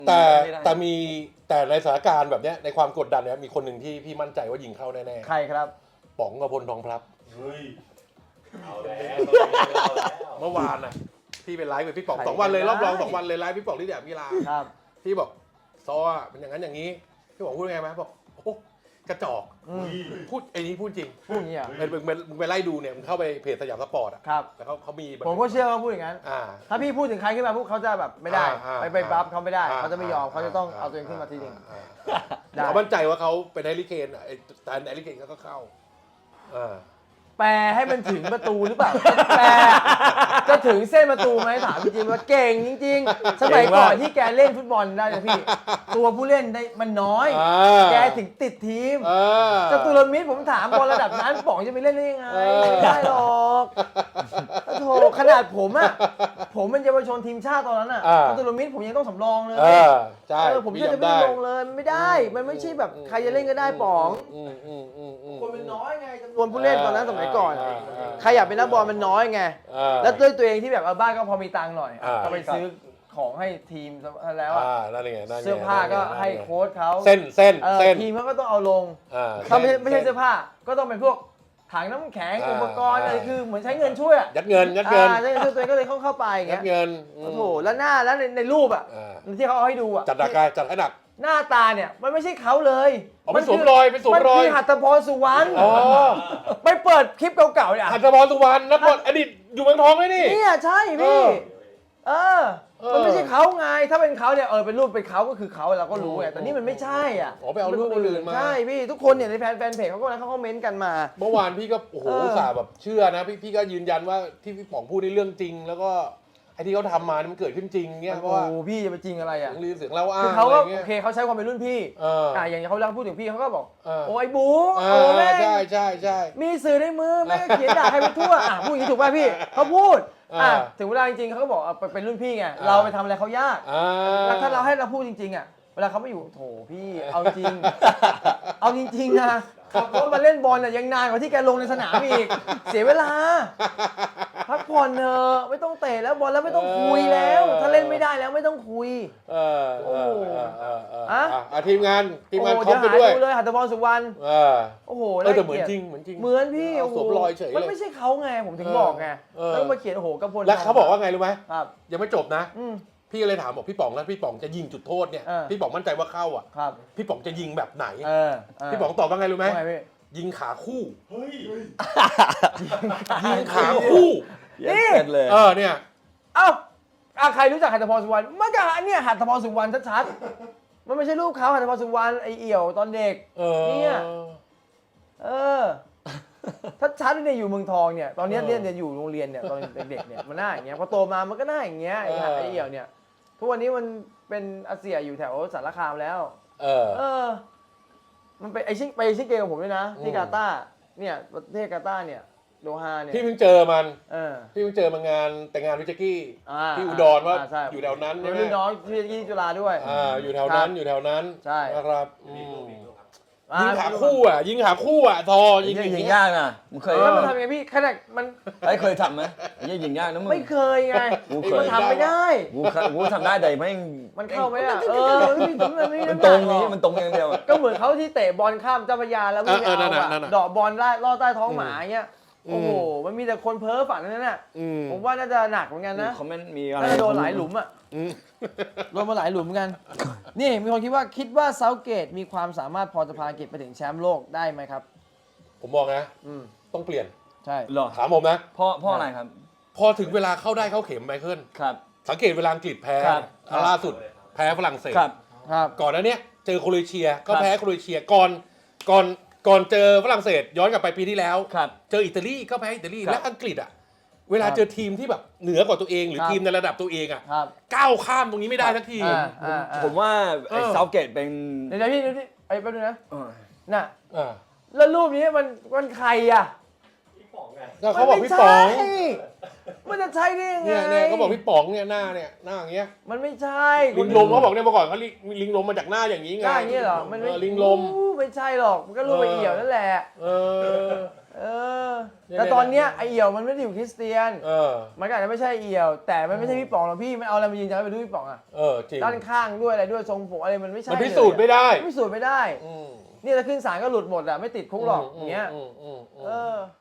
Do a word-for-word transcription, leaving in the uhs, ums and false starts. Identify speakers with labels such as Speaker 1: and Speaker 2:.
Speaker 1: แต่แต่มีแต่ในสถานการณ์แบบเนี้ยในความกดดันเนี่ยมีคนหนึ่งที่พี่มั่นใจว่ายิงเข้าแน่ๆ
Speaker 2: ใครครับ
Speaker 1: ป๋องกพลทองพลับ
Speaker 3: เฮ้ยเอาแล้ว
Speaker 1: เมื่อวานน่ะพี่เป็นไลฟ์กับพี่ป๋อง
Speaker 2: ใคร
Speaker 1: สองวันเลย
Speaker 2: ได้
Speaker 1: รอบรองสองวันเลยไลฟ์พี่ป๋องที่เดียมิลา
Speaker 2: ครับ
Speaker 1: พี่บอกซออ่ะเป็นอย่างนั้นอย่างนี้พี่ป๋องพูดไงไหมบอกโอ้กระจอก
Speaker 2: อืม
Speaker 1: พูดไอ้นี้พูดจริง
Speaker 2: พูดอย่างนี้เหรอ
Speaker 1: มึงมึงมึงไปไล่ดูเนี่ยมึงเข้าไปเพจสยามสปอร์ตอ่ะ
Speaker 2: ครับ
Speaker 1: แล้วเขาเขามี
Speaker 2: ผมก็เชื่อว่าพูดอย่างนั้น
Speaker 1: อ่า
Speaker 2: ถ้าพี่พูดถึงใครขึ้นมาพวกเขาจะแบบไม่ได้
Speaker 1: อ่า
Speaker 2: ไปไปบัฟเขาไม่ได้
Speaker 1: อ่
Speaker 2: เขาจะไม่ยอมเขาจะต้องเอาตัวเองขึ้นมาทีหนึง
Speaker 1: อ่า
Speaker 2: ได้
Speaker 1: เขามั่นใจว่าเขาเป็นแฮร์รี่เคนอ่ะไอ้แต่แฮร์รี่เคนเขาก็เข้าอ่า
Speaker 2: แปลให้มันถึงประตูหรือเปล่า แปลจะถึงเส้นประตูไหมถามจริงๆว่าเก่งจริงๆ สมัยก่อนที่แกเล่นฟุตบอลได้นะพี่ ตัวผู้เล่นได้มันน้อย
Speaker 1: อ่า
Speaker 2: แกถึงติดทีม
Speaker 1: เออ
Speaker 2: จตุรมิตรผมถามบอลระดับนั้นป๋องจะไปเล่นได้ยังไง
Speaker 1: เออ
Speaker 2: ไม่ได้หรอกโถขนาดผมอะผมเป็นเยาวชนทีมชาติตอนนั้นอะ
Speaker 1: อ่า
Speaker 2: จตุรมิตรผมยังต้องสำรองเลย
Speaker 1: เออใช่
Speaker 2: เออผม
Speaker 1: พี่
Speaker 2: แทบจะ
Speaker 1: จำ
Speaker 2: ไม่
Speaker 1: ได้
Speaker 2: ได้ลงเลยมันไม่ได้ มันไม่ใช่แบบใครจะเล่นก็ได้ป๋อง
Speaker 1: อืมอืมอืมอืม
Speaker 2: คนมันน้อยไงจำนวนผู้เล่นตอนนั้นสมัยก่อน
Speaker 1: อ่าอ่า
Speaker 2: ใครอยากเป็นนักบอลมันน้อยไง
Speaker 1: อ่า
Speaker 2: แล้วด้วยตัวเองที่แบบเอาบ้านก็พอมีตังค์หน่อย
Speaker 1: อ่า
Speaker 2: ก็ไปซื้อของให้ทีมแล้วอะ
Speaker 1: อ่านั่นไงนั่นไง
Speaker 2: เสื้อผ้าก็ให้โค้ชเขา
Speaker 1: เส้นเส้น
Speaker 2: เออ
Speaker 1: เส้น
Speaker 2: ทีมเขาก็ต้องเอาลง
Speaker 1: อ่า
Speaker 2: ถ้าไม่ใช่ไม่ใช่
Speaker 1: ส้น
Speaker 2: เสื้อผ้าก็ต้องเป็นพวกถังน้ำแข็ง
Speaker 1: อ่า
Speaker 2: อุปกรณ์อะไร
Speaker 1: อ่า
Speaker 2: คือเหมือนใช้เงินช่วยอะ
Speaker 1: ยัดเงินยัดเงิน
Speaker 2: อ่าใช้เงินช่วยตัวเองก็เลยเข้าเข้าไปอย่าง
Speaker 1: ยั
Speaker 2: เงี้
Speaker 1: ด
Speaker 2: ย
Speaker 1: เงินอืม
Speaker 2: โอ้โหแล้วหน้าแล้วในในรูปอะ
Speaker 1: อ่า
Speaker 2: ที่เขาเอาให้ดูอะ
Speaker 1: จัดหนักไงจัดให้หนัก
Speaker 2: หน้าตาเนี่ยมันไม่ใช่เขาเลย
Speaker 1: อ๋อไปสวมรอยไปสวมรอย
Speaker 2: มันคือหัตถพรสุวรรณ
Speaker 1: อ๋อ
Speaker 2: ไปเปิดคลิปเก่าๆเนี่ย
Speaker 1: หัตถพรสุวรรณนักบอลอดีตอยู่เมืองทองเลยนี่
Speaker 2: เนี่ยใช่
Speaker 1: เอ
Speaker 2: พี่
Speaker 1: อ
Speaker 2: เออ
Speaker 1: เออ
Speaker 2: มันไม่ใช่เขาไง ถ้าเป็นเขาเนี่ยเออเป็นรูปเป็นเขาก็คือเขาเราก็รู้ไง แต่นี่มันไม่ใช่อ่ะ
Speaker 1: อ๋อไปเอารูปคนอื่นมา
Speaker 2: ใช่พี่ทุกคนเนี่ยในแฟนแฟนเพจเขาก็นะเขาคอมเมนต์กันมา
Speaker 1: เมื่อวานพี่ก็โอ้โห
Speaker 2: เออ
Speaker 1: อุตส่าห์แบบเชื่อนะพี่พี่ก็ยืนยันว่าที่พี่ป๋องพูดในเรื่องจริง แล้วก็ไอ้ที่เขาทำมานี่มันเกิดขึ้นจริงเนี่ยเพ
Speaker 2: โอ้
Speaker 1: ราะว่า
Speaker 2: โหพี่จะไปจริงอะไร
Speaker 1: เสี
Speaker 2: อ่ะ
Speaker 1: ยงลือเสียงเล่าอ้า
Speaker 2: คือง เขาก็
Speaker 1: อะไรเงี้
Speaker 2: โอย เคเขาใช้ความเป็นรุ่นพี่
Speaker 1: เออ
Speaker 2: อ่าอย่างเขาเล่าพูดถึงพี่เขาก็บอก
Speaker 1: เออ
Speaker 2: โอ้ยบู
Speaker 1: เอ
Speaker 2: โอ้
Speaker 1: อ
Speaker 2: แม่ง
Speaker 1: ใช่ใช่ใช่
Speaker 2: มีสื่อในมือแม่งก็เขียนด่าใครไปทั่วอ่ะพูดอย่างนี้ถูกป่ะพี่เขาพูดอ่ะ
Speaker 1: อ่า
Speaker 2: ถึงเวลาจริงๆเขาก็บอกอ่ะเป็นรุ่นพี่ไง
Speaker 1: อ่า
Speaker 2: เราไปทำอะไรเขายาก
Speaker 1: อ่า
Speaker 2: แล้วถ้าเราให้เราพูดจริงๆอ่ะเวลาเขาไม่อยู่โถพี่เอาจริง เอาจริงๆนะขับรถมาเล่นบอลน่ะยังนานกว่าที่แกลงในสนามอีก เสียเวลาพักผ่อนเถอะไม่ต้องเตะแล้วบอลแล้วไม่ต้องคุยแล้ว ถ้าเล่นไม่ได้แล้วไม่ต้องคุย
Speaker 1: เออเออเออเออเออ
Speaker 2: อะ
Speaker 1: อ่ะทีมงานทีมงาน
Speaker 2: โอ้
Speaker 1: คอ
Speaker 2: เดี๋
Speaker 1: ม
Speaker 2: ยว
Speaker 1: ไป
Speaker 2: หา
Speaker 1: ด้วย
Speaker 2: ดูเลยหัตถพรสุวรรณ
Speaker 1: เออ
Speaker 2: โอ้โห
Speaker 1: เออแต่เหมือน
Speaker 2: า
Speaker 1: จ
Speaker 2: กลี
Speaker 1: ริ
Speaker 2: ยด
Speaker 1: งเหมือนจริง
Speaker 2: เหมือนพี่
Speaker 1: เอา
Speaker 2: โอ้โห
Speaker 1: สวมรอยเฉยเลย
Speaker 2: มันไม่ใช่เขาไงผมถึงบอกไง
Speaker 1: เออ
Speaker 2: แล้วมาเขียนโอ้โหกระพล
Speaker 1: แล้วเขาบอกว่าไงรู้ไหม
Speaker 2: ครับ
Speaker 1: ยังไม่จบนะ
Speaker 2: อืม
Speaker 1: พี่ก็เลยถามบอกพี่ป๋องแล้วพี่ป๋องจะยิงจุดโทษเนี่ย
Speaker 2: เออ
Speaker 1: พี่ป๋องมั่นใจว่าเข้าอ่ะ
Speaker 2: ครับ
Speaker 1: พี่ป๋องจะยิงแบบไหน
Speaker 2: เออเ
Speaker 1: พี่ป๋องตอบว่าไงรู้ไหม
Speaker 2: ว่าไงพี่
Speaker 1: ยิงขาคู่
Speaker 3: เฮ้ย
Speaker 1: ยิงขาคู่
Speaker 2: นี่
Speaker 4: เย็ดเลย
Speaker 1: เออเนี่ย
Speaker 2: เอ้าอ่ะใครรู้จักหัตถพรสุวรรณมันก็อันเนี้ยหัตถพรสุวรรณชัดๆมันไม่ใช่รูปเขาหัตถพรสุวรรณไอเอี่ยวตอนเด็ก
Speaker 1: เออ
Speaker 2: เนี่ย เออถ้าชัดเนี่ยอยู่เมืองทองเนี่ยตอนเนี้ย
Speaker 1: เออ
Speaker 2: เนี่ยเนี่ยอยู่โรงเรียนเนี่ยตอนเด็กๆเนี่ยมันหน้าอย่างเงี้ยพอโตมามันก็หน้าอย่างเงี้ยไอ้
Speaker 1: เออ
Speaker 2: ไอ้เอี่ยวเนี่ยทุกวันนี้มันเป็นอาเซียอยู่แถวสารคามแล้ว
Speaker 1: เออ
Speaker 2: เออ มันไปไอชิไปชิเกมกับผมด้วยนะ ที่
Speaker 1: อืม
Speaker 2: กาตาร์เนี่ยประเทศกาตาร์เนี่ยโดฮาเนี่ย
Speaker 1: พี่เพิ่งเจอมัน
Speaker 2: เออ
Speaker 1: พี่เพิ่งเจอมางานแต่งงานวิจักกี้
Speaker 2: อ่า
Speaker 1: ที่อุดรว่า
Speaker 2: อ่ใช่
Speaker 1: อยู่แถวนั้น
Speaker 2: เดี๋
Speaker 1: ใช่
Speaker 2: ยว
Speaker 1: ไหม
Speaker 2: รุ่นน้องที่ที่จุฬาด้วย
Speaker 1: อ่าอยู่แถวนั้นอยู่แถวนั้น
Speaker 2: ใช่
Speaker 1: นะครับอืม
Speaker 2: อ่
Speaker 1: ยิงขาคู่อ่ะยิงขาคู่อ่ะทอยิง
Speaker 4: ยิง
Speaker 1: อย่าง
Speaker 4: ยิง
Speaker 1: เงี้ย
Speaker 4: ยากนะมึงเคย
Speaker 2: แล้วมันทำยังไงพี่ขนาดมัน
Speaker 4: ไอ้ยเคยทำไหมไอ้ยิงยากนะมึง
Speaker 2: ไม่เคยไง
Speaker 4: กูเคย
Speaker 2: มันทำไม่ได้
Speaker 4: กูเคยกูทำได้แต่ไม่ง
Speaker 2: มันเข้าไหมอ่ะเออมันไม่มันไม่
Speaker 4: มัน
Speaker 2: น้ำห
Speaker 4: ตร
Speaker 2: นั
Speaker 4: ง
Speaker 2: กหร
Speaker 4: นี้
Speaker 2: อก
Speaker 4: มันตรงอย่างเดียวอะ
Speaker 2: ก็เหมือนเขาที่เตะบอลข้ามเจ้าพระยาแล้ววิ่ง
Speaker 1: เออเออนั่
Speaker 2: เอา
Speaker 1: นน่ะนั่น
Speaker 2: อะ
Speaker 1: น่ะ
Speaker 2: เดาะบอลล่าล่อใต้ท้องหมาเงี้ย
Speaker 1: อืม
Speaker 2: โอ้โหมันมีแต่คนเพ้อฝันนั่นน่ะ
Speaker 1: อืม
Speaker 2: ผมว่าน่าจะหนักเหมือนกันนะ
Speaker 4: คอมเมนต์มีอะไร
Speaker 2: น่าจะโดนหลายหลุมอ่ะ
Speaker 1: อืม
Speaker 2: โดนมาหลายหลุมเหมือนกัน นี่มีคนคิดว่าคิดว่าเซาเกตมีความสามารถพอจะพาอังกฤษไปถึงแชมป์โลกได้ไหมครับ
Speaker 1: ผมบอกนะ
Speaker 2: อืม
Speaker 1: ต้องเปลี่ยน
Speaker 2: ใช่
Speaker 4: หรอ
Speaker 1: ถามผมนะ
Speaker 4: พ่อพ่ออะไรครับ
Speaker 1: พอถึงเวลาเข้าได้เข้าเข็มไมเคิล
Speaker 4: ครับ
Speaker 1: สังเกตเวลาอังกฤษแพ้
Speaker 4: ครับ
Speaker 1: อ่ะล่าสุดแพ้ฝรั่งเศส
Speaker 4: ครับ
Speaker 2: ครับ
Speaker 1: ก่อนหน้าเนี้ยเจอโครเอเชียก็
Speaker 4: ครับ
Speaker 1: แพ้โครเอเชียก่อนก่อนก่อนเจอฝรั่งเศสย้อนกลับไปปีที่แล้ว
Speaker 4: ครับ
Speaker 1: เจออิตาลีก็แพ้อิตาลี
Speaker 4: ครับ
Speaker 1: และอังกฤษอ่ะเวลาเจอทีมที่แบบเหนือกว่าตัวเองหรือ
Speaker 2: ครับ
Speaker 1: ทีมในระดับตัวเองอ่ะ
Speaker 2: ครับ
Speaker 1: ก้าวข้ามตรงนี้ไม่ได้สักที
Speaker 2: อ่าอ่าอ่า
Speaker 4: ผมว่าไอ้
Speaker 1: เออ
Speaker 4: เซาเกตเป็น
Speaker 2: เดี๋ยวๆพี่เดี๋ยวๆไอ้แป๊บนึงนะ
Speaker 4: เออ
Speaker 2: น่ะ
Speaker 1: อ่า
Speaker 2: แล้วรูปนี้มันมันใครอ่ะ
Speaker 3: พี่ป๋องไง
Speaker 1: ก็เขาบอกพี่ป๋อง
Speaker 2: มันไม่ใช่มันจะใช่ได้ยังไง
Speaker 1: เนี่ยเนี่ยเขาบอกพี่ป๋องเนี่ยหน้าเนี่ยหน้าอย่างเงี้ย
Speaker 2: มันไม่ใช่
Speaker 1: ลิงลมเขาบอกเนี่ยเมื่อก่อนเขาลิงลิงลมมาจากหน้าอย่างนี้ไง
Speaker 2: หน้าอย่างนี้เหรอมันไม่
Speaker 1: เออลิงลม
Speaker 2: อู้ไม่ใช่หรอกมันก็รูปไอ้เอี่ยวนั่นแหละ
Speaker 1: เออ
Speaker 2: เออแต่ตอนเนี้ยไอเอี่ยวมันไม่ได้อยู่คริสเตียน
Speaker 1: เออ
Speaker 2: มันก็อาจจะไม่ใช่เอี่ยว แต่มันไม่ใช่พี่ป๋องหรอกพี่มันเอาอะไรมายืนยันว่าเป็นรูปพี่ป๋องอะ
Speaker 1: เออจริง
Speaker 2: ด้านข้างด้วยอะไรด้วยทรงผมอะไรมันไม่ใช่
Speaker 1: มันพิสูจน์ไม่ได้
Speaker 2: พิสูจน์ไม่ได้
Speaker 1: อืม
Speaker 2: นี่ถ้าขึ้นศาลก็หลุดหมดอะไม่ติดคุกหรอก
Speaker 1: ม
Speaker 2: อย่างเงี้ย
Speaker 1: อืมอืมอืม
Speaker 2: เออ